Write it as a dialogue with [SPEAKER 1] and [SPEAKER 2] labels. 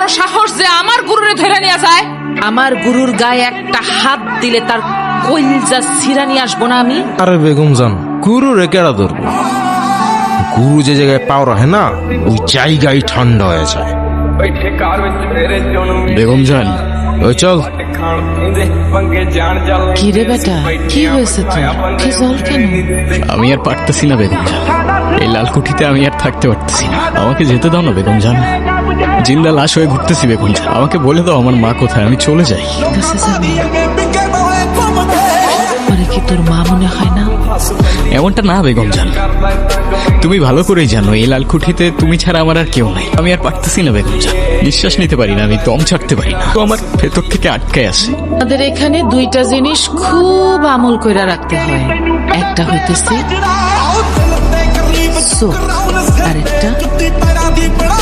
[SPEAKER 1] বড় সাহস যে আমার গুরুরে ধরে নিয়ে যায়। আমার গুরুর গায়ে একটা হাত দিলে তার কইলজা ছিঁড়া নিয়ে আসবো না আমি।
[SPEAKER 2] আরে বেগম জান, গুরু রে কেডা ধরবো? গুরু যে জায়গায় পাও রাখে না, ওই জায়গায় ঠান্ডা হয়ে যায়।
[SPEAKER 3] বেগম জান,
[SPEAKER 2] ওই চল।
[SPEAKER 1] কি রে বেটা, কি হয়েছে তোর? কি জল কেন?
[SPEAKER 3] আমি আর পারতেছি না বেগম জান, এই লালকুঠিতে আমি আর থাকতে পারতেছি না। আমাকে যেতে দাও না বেগম জান, জিন্দা লাশ হয়ে ঘুরতেছি বেগম জান। আমাকে বলে দাও আমার মা কোথায়, আমি চলে যাই।
[SPEAKER 1] কাছে যাবি? পরে কি তোর মা মনে হয় না?
[SPEAKER 3] এমনটা না বেগম জান, তুমি ভালো করেই জানো এই লালকুঠিতে তুমি ছাড়া আমার আর কেউ নাই। আমি আর পারতেছি না বেগম জান, নিঃশ্বাস নিতে পারি না, আমি দম ছাড়তে পারি না, তো আমার ভেতর থেকে আটকায় আসে।
[SPEAKER 1] আমাদের এখানে দুইটা জিনিস খুব আমল কইরা রাখতে হয়, একটা হইতেছে চোখ, আরেকটা